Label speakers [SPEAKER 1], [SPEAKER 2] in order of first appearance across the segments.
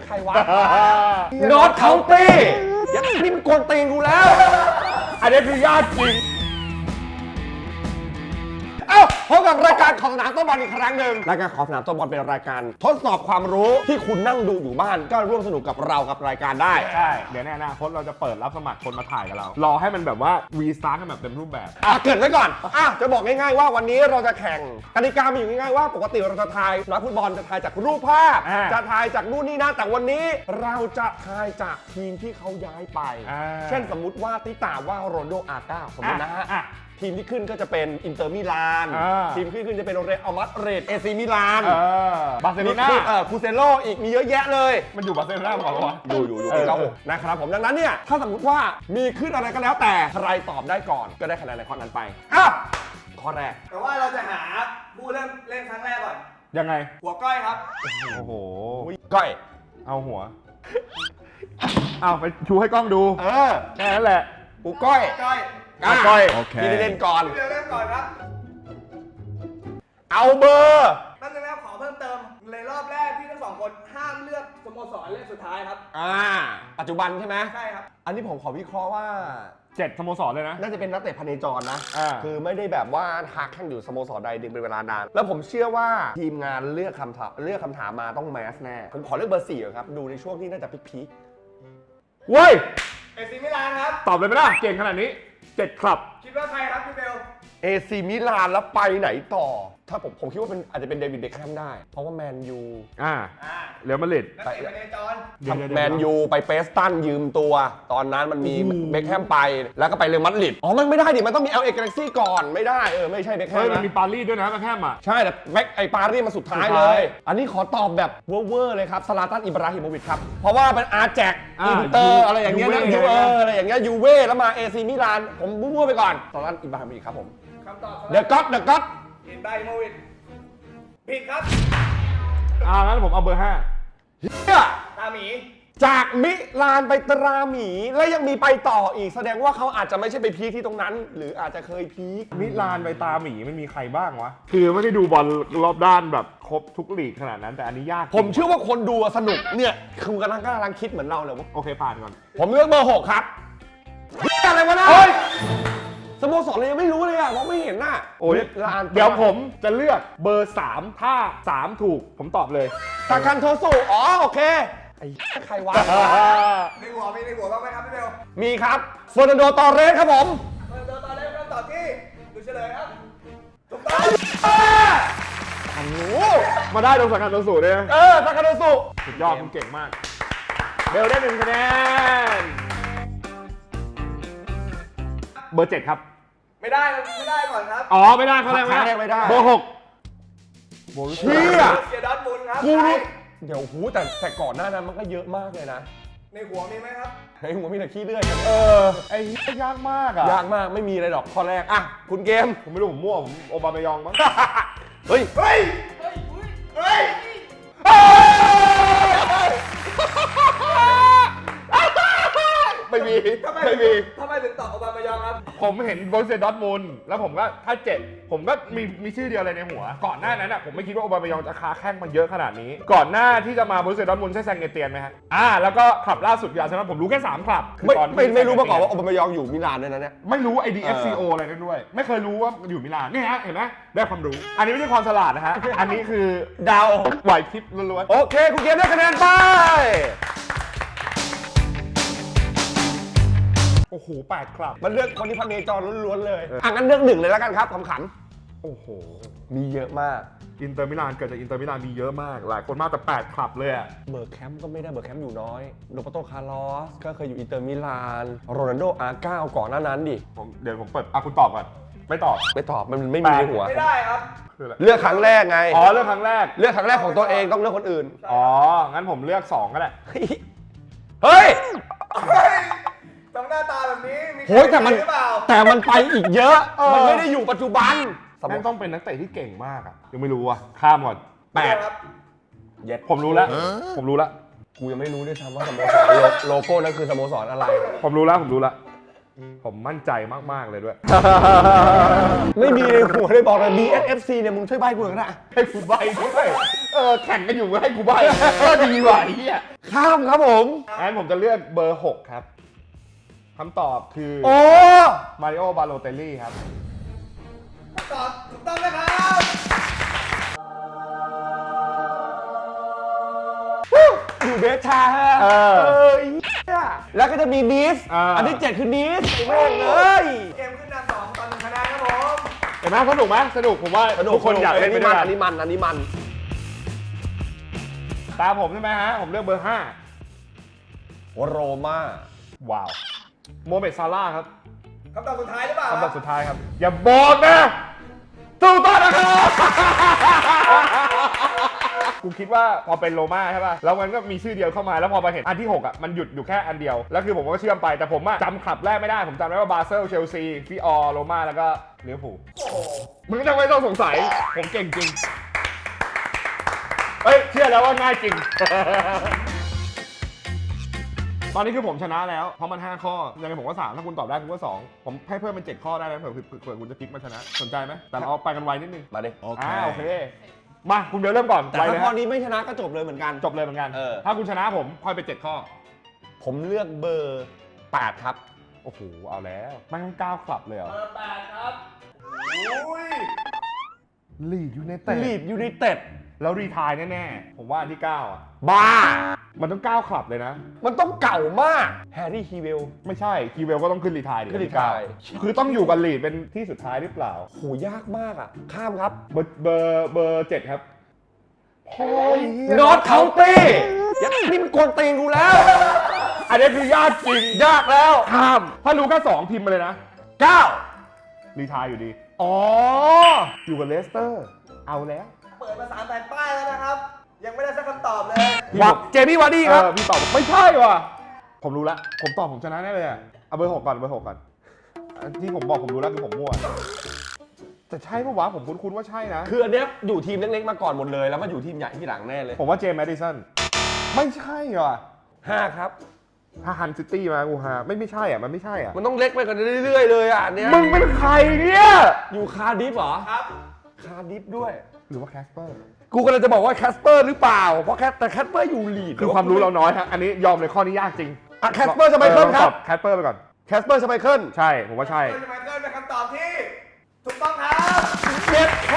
[SPEAKER 1] ใครวะนอตเคาน์ตี้ยัดนี่มันกวนตีนกูแล้ว
[SPEAKER 2] อันนี้คือญาติจริง
[SPEAKER 1] พบกับรายการของสนามโต๊ะบอลอีกครั้งหนึ่งรายการของสนามโต๊ะบอลเป็นรายการทดสอบความรู้ที่คุณนั่งดูอยู่บ้านก็ร่วมสนุกกับเรากับรายการได้
[SPEAKER 2] ใช่เดี๋ยวในอนาคตเราจะเปิดรับสมัครคนมาถ่ายกับเรารอให้มันแบบว่ารีสตาร์ทกันแบบเต็มรูปแบบ
[SPEAKER 1] เกิดไว้ก่อนจะบอกง่ายๆว่าวันนี้เราจะแข่งกติกามีอยู่ง่ายๆว่าปกติเราจะทายนักฟุตบอลจะทายจากรูปภาพจะทายจากนู่นนี่นั่นแต่วันนี้เราจะทายจากทีมที่เขาย้ายไปเช่นสมมุติว่าติตาว่าโรนโดอาก้าสมมตินะฮะทีมที่ขึ้นก็จะเป็นอินเตอร์มิลานทีมขึ้นจะเป็นเรอัลมาดริดเอซีมิลาน
[SPEAKER 2] บาร์เซโลนา
[SPEAKER 1] คูเซโลอีกมีเยอะแยะเลย
[SPEAKER 2] มันอยู่บาร์เซโลนาก่อนวะ
[SPEAKER 1] อยู่เรานะครับผมดังนั้นเนี่ยถ้าสมมติว่ามีขึ้นอะไรก็แล้วแต่ใครตอบได้ก่อนก็ได้คะแนนในข้อนั้นไปข้อแรก
[SPEAKER 3] แต่ว่าเราจะหาผู้เริ่มเล่นครั้งแรกก่อน
[SPEAKER 2] ยังไง
[SPEAKER 3] หัวก้อยครับ
[SPEAKER 2] โอ้โห
[SPEAKER 1] ก้อย
[SPEAKER 2] เอาหัวเอาไปชูให้กล้องดูแค่นั้นแหละ
[SPEAKER 1] กูก้อย
[SPEAKER 2] โอเค
[SPEAKER 1] พี่เล่นก่อน
[SPEAKER 3] เล่นก่อนครับ
[SPEAKER 1] เอาเบอร์
[SPEAKER 3] ตั้งแต่แล้วขอเพิ่มเติมในรอบแรกพี่ทั้งสองคนห้ามเลือกสโมสรเล่นสุดท้ายครับ
[SPEAKER 1] ปัจจุบันใช่ไหม
[SPEAKER 3] ใช่ครับ
[SPEAKER 1] อันนี้ผมขอวิเคราะห์ว่า
[SPEAKER 2] 7 สโมสรเลยนะ
[SPEAKER 1] น่าจะเป็นนักเตะพเนจรนะคือไม่ได้แบบว่าทักแข่งอยู่สโมสรใดดึงเป็นเวลานานแล้วผมเชื่อว่าทีมงานเลือกคำถามมาต้องแมสแน่ผมขอเลือกเบอร์4ครับดูในช่วงที่น่าจะพีค
[SPEAKER 2] เว้ย
[SPEAKER 3] เอซีมิลานครับ
[SPEAKER 2] ตอบเลยไหมล่ะเก่งขนาดนี้7 คลับ
[SPEAKER 3] คิดว่าใครครับพี่เบล
[SPEAKER 1] เอซีมิลานแล้วไปไหนต่อถ้าผมคิดว่าเป็นอาจจะเป็นเดวิดเบ็คแฮมได้เพราะว่าแมนยู
[SPEAKER 2] เรอัลมาดริด
[SPEAKER 3] นักเตะพเนจร
[SPEAKER 1] แมนยูไปเปสตันยืมตัวตอนนั้นมันมีเบ็คแฮมไปแล้วก็ไปเรอัลมาดริดมันไม่ได้ดิมันต้องมี LA Galaxy ก่อนไม่ได้ไม่ใช่เบ็คแฮม
[SPEAKER 2] มันมีปารีสด้วยนะเบ็คแฮม
[SPEAKER 1] ใช่แต่ปารีสมาสุดท้ายเลยอันนี้ขอตอบแบบเวอร์เลยครับซาลาตันอิบราฮิโมวิชครับเพราะว่าเป็นอาแจกอินเตอร์อะไรอย่างเงี้ยนะอะไรอย่างเงี้ยยูเว่แล้วมาเอซีมิลานผมมั่วไปก่อนซาลาตันอิบราฮิโมวิชครับผม
[SPEAKER 3] คำตอบ
[SPEAKER 1] เดอะก็อต
[SPEAKER 3] อินไบโมวิชผิดครับ
[SPEAKER 2] งั้นผมเอาเบอร์
[SPEAKER 3] ตาหมี
[SPEAKER 1] จากมิลานไปตราหมีและยังมีไปต่ออีกแสดงว่าเขาอาจจะไม่ใช่ไปพีคที่ตรงนั้นหรืออาจจะเคยพีค
[SPEAKER 2] มิลานไปตาหมีมันมีใครบ้างวะคือไม่ได้ดูบอลรอบด้านแบบครบทุกลีกขนาดนั้นแต่อันนี้ยาก
[SPEAKER 1] ผมเชื่อว่าคนดูสนุกเนี่ยคือกำลังคิดเหมือนเราเลยว่า
[SPEAKER 2] โอเคผ่านก่อน
[SPEAKER 1] ผมเลือกเบอร์6ครับอะไรวะนะสโมสรเลยยังไม่รู้เลยมองไม่เห็นน่ะ
[SPEAKER 2] เดี๋ยวผมจะเลือกเบอร์3ถ้า3ถูกผมตอบเลย
[SPEAKER 1] ซาคันโทสุโอเคไอ้ใครวะ
[SPEAKER 3] ในหัวบ้างไหมครับพี่เบล
[SPEAKER 1] มีครับเฟอร์นันโดตอร์เรสครับผม
[SPEAKER 3] เฟอร์นันโดตอร์เรสคำตอบที่ดูเฉลยครับถูกต้อง
[SPEAKER 2] มาได้ตรงซาคันโทสุเลย
[SPEAKER 1] ซาคันโทสุ
[SPEAKER 2] สุดยอดคุณเก่งมากเบลได้1 คะแนนเบอร์7ครับ
[SPEAKER 3] ไม่ได้ก่อนครับ
[SPEAKER 2] ไม่ได้เขา
[SPEAKER 1] ไม่ได้
[SPEAKER 2] เบอร์6
[SPEAKER 1] เชี่ย
[SPEAKER 3] เสียดอนบุญครับ
[SPEAKER 1] เดี๋ยวแต่ก่อนหน้านั้นมันก็เยอะมากเลยนะ
[SPEAKER 3] ในหัวมีไหมครับ
[SPEAKER 1] ในหัวมีแต่ขี้เลื่อย
[SPEAKER 2] ไอ้ยากมาก
[SPEAKER 1] ยากมากไม่มีอะไรหรอกข้อแรกคุณเกม
[SPEAKER 2] ผมไม่รู้ผมมั่วผมโอบามายองมั้ง
[SPEAKER 1] เฮ้ยไม่มี
[SPEAKER 3] ทำไมถึงตอบโอบามายองครับ
[SPEAKER 2] ผมเห็นโบรูเซียดอร์ทมุนด์แล้วผมก็ถ้า7ผมก็มีชื่อเดียวเลยในหัวก่อนหน้านั้นผมไม่คิดว่าโอบามายองจะค้าแข้งมันเยอะขนาดนี้ก่อนหน้าที่จะมาโบรูเซียดอร์ทมุนด์ใช่แซงเกเตียนไหมฮะแล้วก็คลับล่าสุดคืออาร์เซนอลผมรู้แค่3 คลับ
[SPEAKER 1] ไม่รู้มาก่อนว่าโอบามายองอยู่มิลานด้วยนะเนี่ย
[SPEAKER 2] ไม่รู้ IDFCO อะไรนั่นด้วยไม่เคยรู้ว่าอยู่มิลานนี่ฮะเห็นไหมได้ความรู้อันนี้ไม่ใช่ความฉลาดนะฮะอันนี้คือ
[SPEAKER 1] ดาว
[SPEAKER 2] ไหวพริบล้วน
[SPEAKER 1] ๆโอเคคุณเกมได้คะแนนไป
[SPEAKER 2] โอ้โห8 คลับ
[SPEAKER 1] มันเลือกคนที่พเนจรล้วนๆเลยงั้นเลือก1เลยแล้วกันครับขำ
[SPEAKER 2] โอ้โห
[SPEAKER 1] มีเยอะมาก
[SPEAKER 2] อินเตอร์มิลานเกิดจากอินเตอร์มิลานมีเยอะมากหลายคนมากแต่8 คลับเลย
[SPEAKER 1] เบอร์แคมป์ก็ไม่ได้เบอร์แคมป์อยู่น้อยโรเบโตคาร์ลอสก็เคยอยู่อินเตอร์มิลานโรนัลโดอาก้าก่อนหน้านั้นดิ
[SPEAKER 2] เดี๋ยวผมเปิดคุณตอบก่อนไม่ตอบ
[SPEAKER 1] มันไม่มีในหัว
[SPEAKER 3] ไม่ได้ครับ
[SPEAKER 1] เลือกครั้งแรกไง
[SPEAKER 2] เลือกครั้งแรก
[SPEAKER 1] ของตัวเองต้องเลือกคนอื่น
[SPEAKER 2] งั้นผมเลือก2ก็ได้
[SPEAKER 1] เฮ้ย
[SPEAKER 3] หน้าตาแบบนี้มี
[SPEAKER 1] แต่มันไปอีกเยอะมันไม่ได้อยู่ปัจจุบัน
[SPEAKER 2] มันต้องเป็นนักเตะที่เก่งมากยังไม่รู้ข้ามก่อน
[SPEAKER 1] 8
[SPEAKER 3] ครับ
[SPEAKER 2] ผมรู้แล้ว
[SPEAKER 1] กูยังไม่รู้ด้วยซ้ำว่าสโมสรโลโก้นั่นคือสโมสรอะไร
[SPEAKER 2] ผมรู้แล้วผมมั่นใจมากๆเลยด้วย
[SPEAKER 1] ไม่มีในหัวเลยบอกเลย BSFC เนี่ยมึงช่วยใบ้กูหน่อยนะ
[SPEAKER 2] ให้กูใบด้วยแข่งกันอยู่ให้กูใบก็ดีกว่าไอ้เหี้ย
[SPEAKER 1] ข้ามครับผม
[SPEAKER 2] งั้นผมจะเลือกเบอร์ 6 ครับคำตอบคือ
[SPEAKER 1] โอ้
[SPEAKER 2] มาริโอบาโลเตลลี่ครับ
[SPEAKER 3] ตอบถูกต้องนะครับ
[SPEAKER 1] อยู่เบสชาฮะไอ้เหี้ยแล้วก็จะมีนิสอันที่ 7 คือนิสไอ้แม่งเลย
[SPEAKER 3] เกมขึ้นนำ2 ต่อ 1 คะแนนครับผม
[SPEAKER 2] เห็นไหมสนุกไหมสนุกผมว่าทุกคนอยากเล่นไปด้วย
[SPEAKER 1] อั
[SPEAKER 2] กัน
[SPEAKER 1] นนี้มัน
[SPEAKER 2] ตามผมใช่ไหมฮะผมเลือกเบอร์
[SPEAKER 1] โรม่า
[SPEAKER 2] 5 ว้าวโมเมดซาร่าห์ครับ
[SPEAKER 3] คำตอบสุดท้ายหรือเปล่า
[SPEAKER 2] คำตอบสุดท้ายครับ อย่าบอกนะถูกต้องนะครับ กูคิดว่าพอเป็นโรม่าใช่ป่ะแล้วมันก็มีชื่อเดียวเข้ามาแล้วพอมาเห็นอันที่ 6 อ่ะมันหยุดอยู่แค่อันเดียวแล้วคือผมก็เชื่อมไปแต่ผมอะจำคลับแรกไม่ได้ผมจำได้ว่าบาเซลเชลซีฟิออร์โรม่าแล้วก็ลิเวอร์พูล
[SPEAKER 3] โอ้โห
[SPEAKER 2] มึงไม่ต้องสงสัยผมเก่งจริงเฮ้ยเชื่อแล้วว่าง่ายจริง ตอนนี้คือผมชนะแล้วเพราะมัน5ข้อยังไงผมก็3ถ้าคุณตอบได้คุณก็2ผมให้เพิ่มเป็น7ข้อได้นะเผื่อคุณจะพลิกมาชนะสนใจไหมแต่เราเอาไปกันไวนิดนึง
[SPEAKER 1] มาดิ
[SPEAKER 2] โอเคมาคุณเบลเริ่มก่อน
[SPEAKER 1] แต่
[SPEAKER 2] ไว
[SPEAKER 1] ถ้า
[SPEAKER 2] เลย
[SPEAKER 1] ข้อ
[SPEAKER 2] ฮะ
[SPEAKER 1] นี้ไม่ชนะก็จบเลยเหมือนกัน
[SPEAKER 2] จบเลยเหมือนกัน ถ้าคุณชนะผมค่อยไป7ข้อ
[SPEAKER 1] ผมเลือกเบอร์ 8 ครับ
[SPEAKER 2] โอ้โหเอาแล้วไม่ต้อง9คลับเลยเหรอ
[SPEAKER 3] เบอร์ 8 ครับอุ้ย
[SPEAKER 2] ลีดยูไนเต็ด
[SPEAKER 1] ลีดยูไนเต็ด
[SPEAKER 2] แล้วรีไทายแน่ๆผมว่าอันที่9อ่ะ
[SPEAKER 1] บ้า
[SPEAKER 2] มันต้อง9คลับเลยนะ
[SPEAKER 1] มันต้องเก่ามาก แฮร์รี่ฮีเวล
[SPEAKER 2] ไม่ใช่คีเวลก็ต้องขึ้นรีไทายดิ
[SPEAKER 1] ขึ้นรีไทร์
[SPEAKER 2] คือต้องอยู่กับลีดเป็นที่สุดท้ายหรือเปล่า
[SPEAKER 1] โหยากมากอ่ะ ข้ามครับ
[SPEAKER 2] เบอร์7ครับโอ้ย
[SPEAKER 1] นอตเคาน์ตี้ยัดนี่มันกวนตีนกูแล้ว
[SPEAKER 2] อันนี้คือยากจริง
[SPEAKER 1] ยากแล้ว
[SPEAKER 2] ข้ามถ้ารู้แค่2พิมพ์มาเลยนะ
[SPEAKER 1] 9
[SPEAKER 2] รีไทายอยู่ดี อ๋อ อยู่กับเลสเตอร์ เอาแล้ว
[SPEAKER 3] เปิดมา3 แผ่นป้ายแล้วนะครับ ยังไม่ได้สักคำตอบเลย
[SPEAKER 1] วักเจมี่วาร์ดี้ครับ
[SPEAKER 2] พี่ตอบไม่ใช่ว่ะ ผมรู้ละ ผมตอบผมชนะแน่เลยอะเอาเบอร์ 6 ก่อนเบอร์ 6 ก่อนอันที่ผมบอกผมรู้แล้วคือผมมั่ว แต่ใช่ปะวะผมคุ้นๆว่าใช่นะ
[SPEAKER 1] คืออันเนี้ยอยู่ทีมเล็กๆมาก่อนหมดเลย แล้วมาอยู่ทีมใหญ่ที่หลังแน่เลย
[SPEAKER 2] ผมว่าเจมส์แมดิสันไม่ใช่ว่ะ
[SPEAKER 1] 5 ครับ
[SPEAKER 2] ถ้าฮันซิตี้มากูฮาไม่ใช่อ่ะมันไม่ใช่อ่ะ
[SPEAKER 1] มันต้องเล็กไปกันเรื่อยๆเลยอ่ะอันเนี้ย
[SPEAKER 2] มึงเป็นใครเนี่ย
[SPEAKER 1] อยู่คาร์ดิฟเหรอ
[SPEAKER 3] ครับ
[SPEAKER 1] คาร์ดิฟด้วย
[SPEAKER 2] หรือว่าแคสเปอร์
[SPEAKER 1] กูกำลังจะบอกว่าแคสเปอร์หรือเปล่า เพราะแต่แคสเปอร์อยู่ลีด
[SPEAKER 2] คือความรู้เราน้อยฮะ อันนี้ยอมเลยข้อนี้ยากจริง
[SPEAKER 1] อ่ะแคสเปอร์จะไปเคิลครับ
[SPEAKER 2] แคสเปอร์ไปก่อน
[SPEAKER 1] แคสเปอร์จะไปเคิล
[SPEAKER 2] ใช่ ผมว่าใช่
[SPEAKER 3] คุณจะมาเกินเป็นคำตอบที่ถูกต้องครับ
[SPEAKER 1] เจ็ดแค่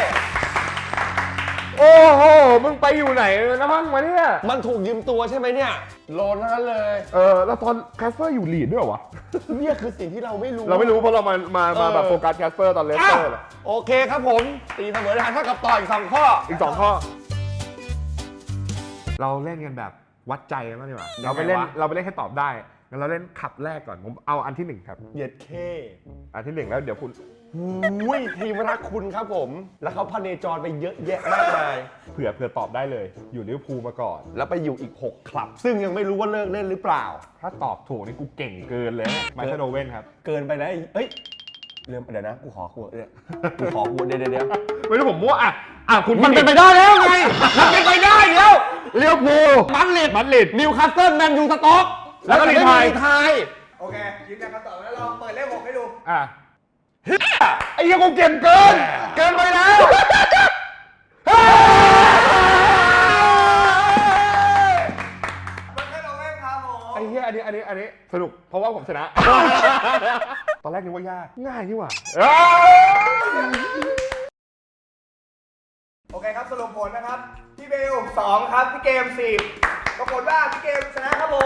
[SPEAKER 2] โอ้โห มึงไปอยู่ไหนนะมั่งมาเนี่ย
[SPEAKER 1] มันถูกยืมตัวใช่ไหมเนี่ยโลนทั้งนั้นเลย
[SPEAKER 2] แล้วตอนแคสเปอร์อยู่ลีดด้วยเหรอวะ
[SPEAKER 1] เนี่ยคือสิ่งที่เราไม่รู้
[SPEAKER 2] เราไม่รู้เพราะเรามาแบบโฟกัสแคสเปอร์ตอนเลส
[SPEAKER 1] อ้า
[SPEAKER 2] เต
[SPEAKER 1] ว
[SPEAKER 2] อร์
[SPEAKER 1] โอเคครับผมตีเสมอได้เท่ากับต่ออีก2 ข้อ
[SPEAKER 2] อีก2ข้อ เราเล่นกันแบบวัดใจกันบ้างดีกว่า เราไปเล่นให้ตอบได้งั้นเราเล่นขับแรกก่อน ผมเอาอันที่ 1 ครับ
[SPEAKER 1] เหยียดเค
[SPEAKER 2] อันที่ 1 แล้วเดี๋ยวคุณ
[SPEAKER 1] หุ้ยทีมรักคุณครับผม แล้วเขาพเนจรไปเยอะแยะมากมาย
[SPEAKER 2] เผื่อตอบได้เลย อยู่ลิเวอร์พูลมาก่อน
[SPEAKER 1] แล้วไปอยู่อีก 6 คลับ ซึ่งยังไม่รู้ว่าเลิกเล่นหรือเปล่า
[SPEAKER 2] ถ้าตอบถูกนี่กูเก่งเกินเลยมาชโดเว่นครับ
[SPEAKER 1] เกินไปนะเอ้ยเดี๋ยวนะ กูขอเดี๋ยว
[SPEAKER 2] ไม่รู้ผมมั่วคุณ
[SPEAKER 1] มันเป็นไปได้แล้วไง มันเป็นไปได้แล้ว
[SPEAKER 2] ลิเวอร์พูล
[SPEAKER 1] มันลิดนิวคาสเซิลแมนยูสต็อก
[SPEAKER 2] แล้วก็รีไทร์
[SPEAKER 3] โอเค ยืนยันคำตอบแล้วลองเปิดเลข 6 ให้ดู
[SPEAKER 2] ไอ้เหี้ยังกูเก่งเกิน
[SPEAKER 1] เกินไปแล้ว
[SPEAKER 3] มันแค่ลงเล่นครับผม
[SPEAKER 2] ไอ้เหี้ยอันนี้สนุกเพราะว่าผมชนะ ตอนแรกนึกว่ายากง่ายนี่หว่า
[SPEAKER 3] โอเคครับสรุปผลนะครับ พี่เบล 2 ครับ พี่เกม 10ปรากฏว่าพี่เกมชนะครับผม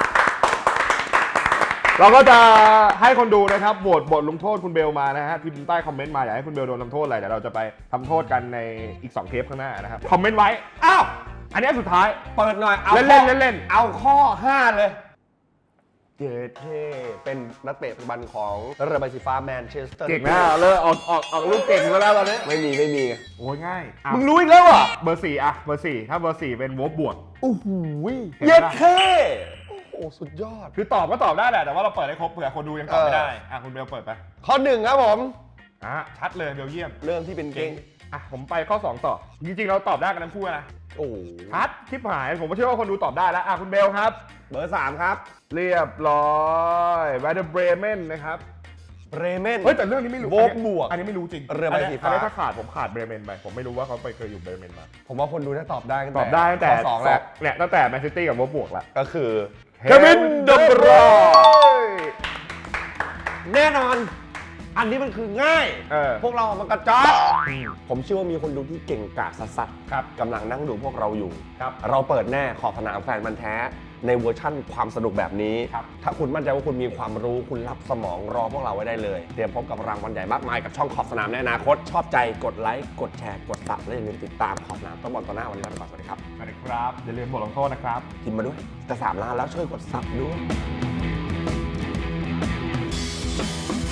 [SPEAKER 2] เราก็จะให้คนดูนะครับโหวตบทลงโทษคุณเบลมานะฮะพิมพ์ใต้คอมเมนต์มาอยากให้คุณเบลโดนทำโทษอะไรเดี๋ยวเราจะไปทำโทษกันในอีก2เทปข้างหน้านะครับคอมเมนต์ไว้อ้าวอันนี้สุดท้าย
[SPEAKER 1] เปิดหน่อย เอา
[SPEAKER 2] เล่น
[SPEAKER 1] เอาข้อ 5 เลย เจเท่เป็นนักเตะปัจจุบันของเรือใบสีฟ้าแมนเชสเตอร์
[SPEAKER 2] เก่งนะเลยออกลูกเก่งแล้วตอนนี้
[SPEAKER 1] ไม่มีไง
[SPEAKER 2] โอ้ยง่าย
[SPEAKER 1] มึงรู้อีกแล้วเหรอ่ะ
[SPEAKER 2] เบอร์4อะเบอร์4ถ้าเบอร์4เป็นวบบวก
[SPEAKER 1] โอ้โห
[SPEAKER 2] เห็น
[SPEAKER 1] เย็ด
[SPEAKER 2] ปะ
[SPEAKER 1] เท่โอ้โห สุดยอด
[SPEAKER 2] คือตอบก็ตอบได้แหละแต่ว่าเราเปิดให้ครบเผื่อคนดูยังตอบไม่ได้คุณเบลเปิดไป
[SPEAKER 1] ข้อ 1 ครับผม
[SPEAKER 2] ชัดเลยเบลเยียม
[SPEAKER 1] เริ่มที่เป็นเก่ง
[SPEAKER 2] ผมไปข้อ 2 ต่อ จริงๆ เราตอบได้กันทั้งคู่นะ
[SPEAKER 1] โอ้โห
[SPEAKER 2] ชัดคลิปหาย ผมก็เชื่อว่าคนดูตอบได้แล้วคุณเบลครับ
[SPEAKER 1] เบอร์ 3 ครับ
[SPEAKER 2] เรียบร้อยแวร์เดอร์เบรเมนนะครับ
[SPEAKER 1] เบรเมน
[SPEAKER 2] เฮ้ยแต่เรื่องนี้ไม่รู้
[SPEAKER 1] โวกบวก
[SPEAKER 2] อันนี้ไม่รู้จริง
[SPEAKER 1] เรือใบสีฟ้า
[SPEAKER 2] อันนี้ถ้าขาดผมขาดเบรเมนไปผมไม่รู้ว่าเขาเคยอยู่เบรเมนมา
[SPEAKER 1] ผมว่าคนดูน่าตอบได้ตั้ง
[SPEAKER 2] ต
[SPEAKER 1] แต่
[SPEAKER 2] อบได้ตั้งแต่
[SPEAKER 1] ข้อ2แล้ว
[SPEAKER 2] เนี่ยตั้งแต่แมนซิตี้กับโวบวกแล้ว
[SPEAKER 1] ก็คือ
[SPEAKER 2] เควินเดบรอย
[SPEAKER 1] แน่นอน อันนี้มันคือง่าย พวกเรามันกระจอกผมเชื่อว่ามีคนดูที่เก่งกาจสัสๆ
[SPEAKER 2] ครับ
[SPEAKER 1] กำลังนั่งดูพวกเราอยู่
[SPEAKER 2] ครับ
[SPEAKER 1] เราเปิดแน่ขอบสนามแฟนมันธุ์แท้ในเวอร์ชั่นความสนุกแบบนี้
[SPEAKER 2] ครับ
[SPEAKER 1] ถ้าคุณมั่นใจว่าคุณมีความรู้คุณรับสมองรอพวกเราไว้ได้เลย เตรียมพบกับรางวัลใหญ่มากมายกับช่องขอบสนามในอนาคต ชอบใจกดไลค์กดแชร์กดซับและอย่าลืมติดตามขอบสนามต้องบอลต่อหน้าวันนี้ลาไปก่อนสวัสดีครับ
[SPEAKER 2] สวัสดีครับอย่าลืมบทลงโทษนะครับ
[SPEAKER 1] พิมพ์มาด้วยจะ3 ล้านแล้วช่วยกดซับด้วย